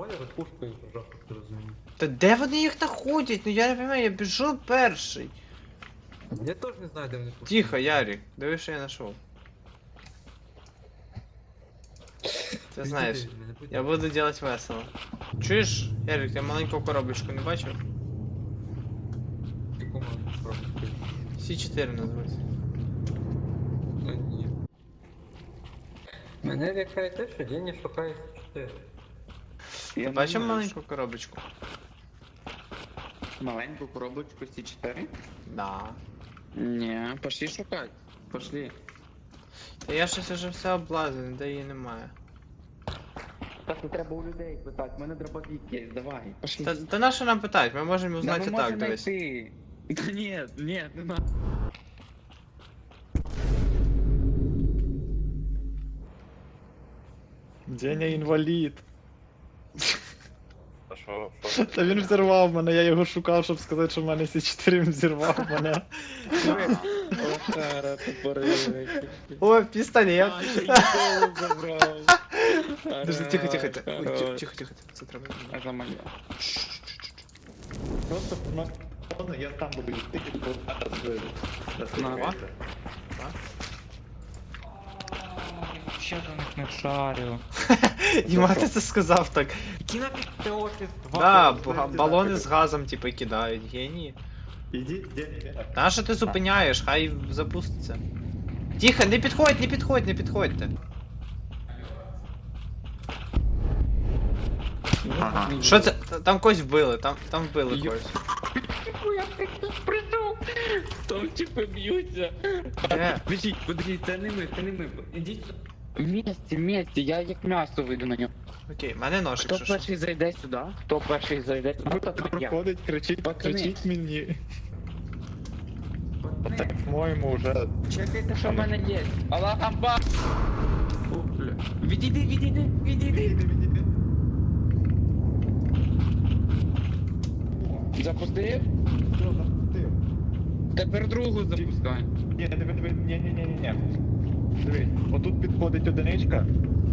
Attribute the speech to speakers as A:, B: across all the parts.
A: бойлер пушкою прожав, як ти розумієш.
B: Та де вони їх знаходять? Ну я не розумію, я біжу перший.
A: Я теж не знаю, де вони пушкою.
B: Тихо, Ярик, диви, що я знайшов. Ти знаєш, я буду делать весело. Чуєш, Ярик, я маленьку коробочку не бачив?
A: Яку маленьку коробочку?
B: С4 називається.
A: Ну ні. Мене лякає те, що Дені шукає 4.
B: Ти бачив маленьку коробочку?
C: Маленькую коробочку С4?
B: Да.
C: Не, пошли шукать. Пошли.
B: Та я щось уже все облазив, ніде її немає.
C: Так, не треба у людей питати, в мене дробовик є, давай. Пошли.
B: Та на що нам питати? Ми можемо узнати
C: Да,
B: так, дивись.
C: найти. Да нет, нет, не надо.
D: Деня інвалід.
E: А що?
D: Та він взірвав мене, я його шукав, щоб сказати, що в мене С4 він взірвав мене.
C: Охара, тупорилий.
B: О, пістолет!
C: А, ще й голову забрав.
B: Подожди, тихо, тихо, тихо. Ой,
C: Хорош.
B: тихо, тихо, це треба.
C: А за моє.
D: Просто ну, я там буду йти,
C: На.
F: Ще до них не шарю.
B: Діма, ти це сказав так.
A: Кінопік офіс 2.
B: Да, балони з газом, типу, кидають, генії.
D: Іди, Деня.
B: Та що ти зупиняєш, хай запуститься. Тихо, не підходь, не підходь, не підходьте. Що це? Там когось вбили, там вбили когось.
C: Я тут прийшов. Там типи б'ються.
B: Де?
C: Подожди, це не ми. Ідіть. Вместе, я як м'ясо вийду на нього.
B: Окей, в мене ножик,
C: Хто
B: що що.
C: перший зайде сюди? Хто перший зайде сюди?
D: Хто проходить, кричить,
C: Пацани.
D: кричить мені. Так, по-моєму, вже...
C: Чекайте, що в мене є. Аллах Акбар! Відійди. Запустив?
D: Що запустив?
C: Тепер другу запускай.
D: Ні, ні. Дивись, отут підходить одиничка.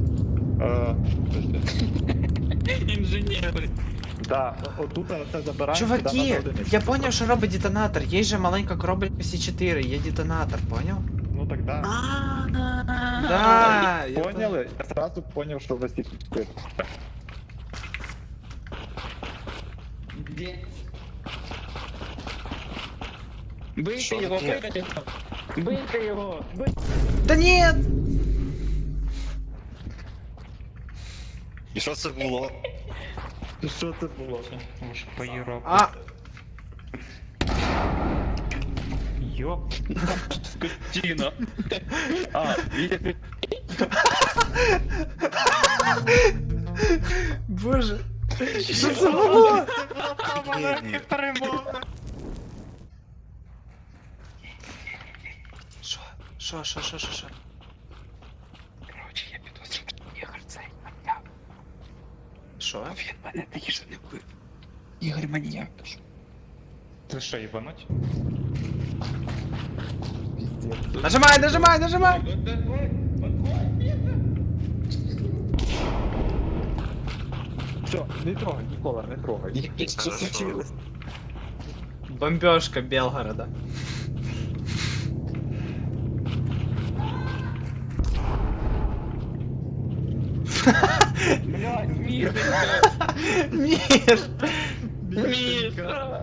C: Інженери.
D: Да, отут це забираємо. сюди
B: Чуваки,
D: на одиничку.
B: я поняв, що робить детонатор. Є же маленька коробочка С4, є детонатор, поняв?
D: Ну так да.
B: Да, я
D: Поняли? Я сразу понял, що ви всі тут.
C: Де? Бийте
E: Що
C: його,
E: таке?
C: бийте його. Бийте його.
B: Да нет!
E: І що це було?
D: Що це було?
F: Може поїрок.
B: А,
F: Йоп.
C: Скотина. А, їде.
B: боже. Що це було? Що?
C: Короче, я підозрюю, що Ігор цей маньяк.
B: Що?
C: Він мене такі ж не вбив. Ігор маньяк.
F: Ти що, їбануть?
B: Нажимай!
D: Все, не трогай, Нікола, не трогай.
C: Що случилось?
B: Бомбежка Белгорода.
C: Блядь, мир.
B: Мир!
C: Мир.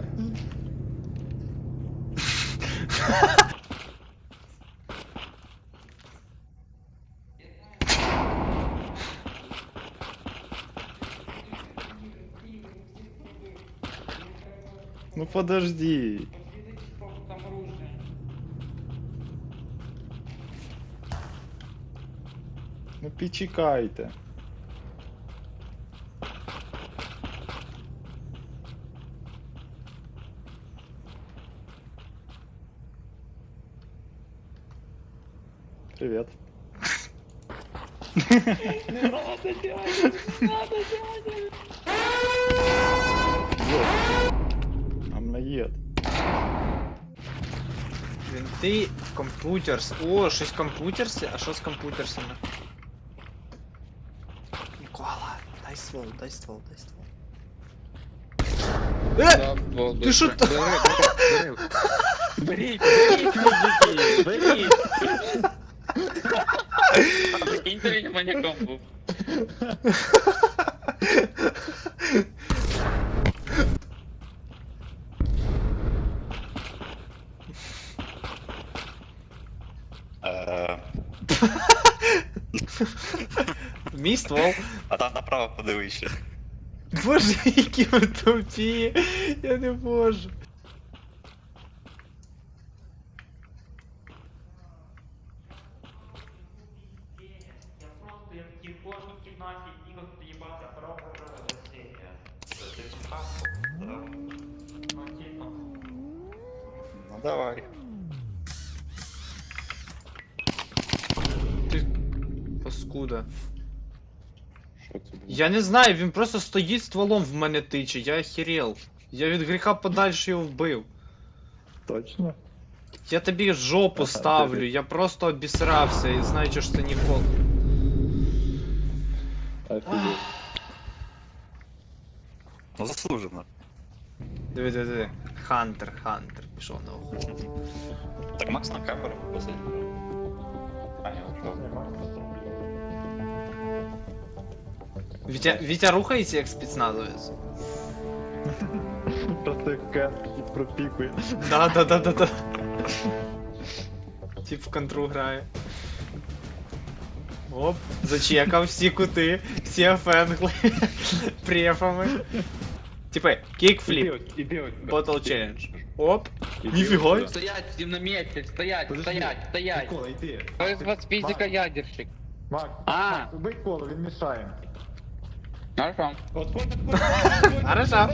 D: Ну подожди. Ну почекайте. Привет.
C: Не надо делать, не надо делать.
D: Амнаєд.
B: Винти, комп'ютерс. О, щось комп'ютерси? А що з комп'ютерсами? Нікола, дай світ. ствол, дай ствол, дай ствол.
C: Ти
B: що
C: ти? Беріть, беріть, мужики, беріть. Прикиньте, він маньяком був.
B: Мій ствол.
E: А там направо подивися.
B: Боже, які ви тупі. Я не можу.
F: Я просто як в кожній кімнаті ігор їбати пробував розсіння. Це цікаво. Ну, типа.
E: Ну давай.
B: Ти паскуда.
D: Що це було?
B: Я не знаю, він просто стоїть стволом в мене тиче, я охерел. Я від гріха подальше його вбив.
D: Точно?
B: Я тобі жопу
D: Ага,
B: ставлю,
D: ти-
B: я просто обісрався і знаю, що це ніколи.
D: Офігеть.
E: Ну заслужено.
B: Диви, диви, диви. Хантер, пішов на охоту.
E: Так Макс на камеру посадив. А, ні, що?
B: Вітя рухається як спецназовець.
D: Просто як кент пропікує.
B: Да. Тип в контру грає. Оп, зачекав всі кути, всі офенгли префами. Типа, кікфліп,
D: Іди,
B: Bottle Challenge. Оп, ніфіга.
C: Стоять, всім на місці, стоять,
D: Подожди.
C: стоять, стоять.
D: Микола, йди.
C: Хто із вас фізика-ядерщик?
D: Макс,
C: А.
D: убий коло, він мішає.
C: Хорошо.
B: Хорошо.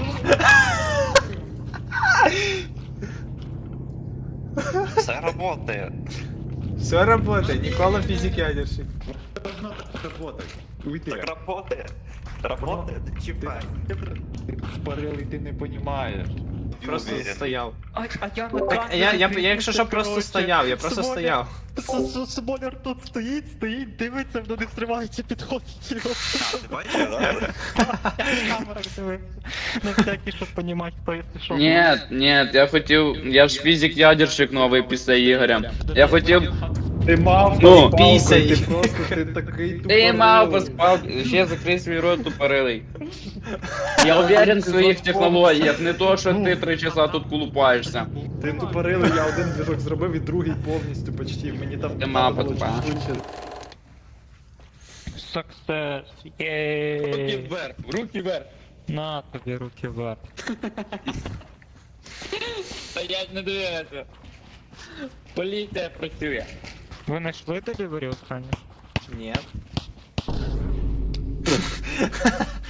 E: Все работає.
B: Все работает, Никола физик ядерщик.
D: Должно так работать. Уйди.
E: Так работає. Работає, не чіпай.
D: Ти тупорилий, ти не розумієш.
B: Просто
E: Уверен.
B: стояв.
F: А я на
B: Так, я якщо що просто стояв, я просто стояв.
G: Смолер тут стоїть, дивиться, воно не стривається, підходить його.
E: А, ти бачиш, да?
G: Я в камерах дивився. На всякий, щоб понімати, хто якщо що.
C: Нет, я хотів, я ж фізик-ядерщик новий після Ігоря. Я хотів,
D: Ти мав
C: Ну,
B: пісяй.
D: ти просто ти такий
C: ти мав
D: тупорилий.
C: поспав, ще закрий свій рот тупорилий. Я уверен в своїх технологіях, не то, що ти 3 часа тут колупаєшся.
D: Ти тупорилий, я один движок зробив і другий повністю почти. Мені там
C: Ти мав
D: треба було
C: потупа.
D: чуть швидше.
G: Success, єй.
C: вверх, руки вверх.
G: На тобі руки вверх.
C: Стоять, не дивися. Поліція працює.
G: Ви знайшли делівері останнє?
B: Ні.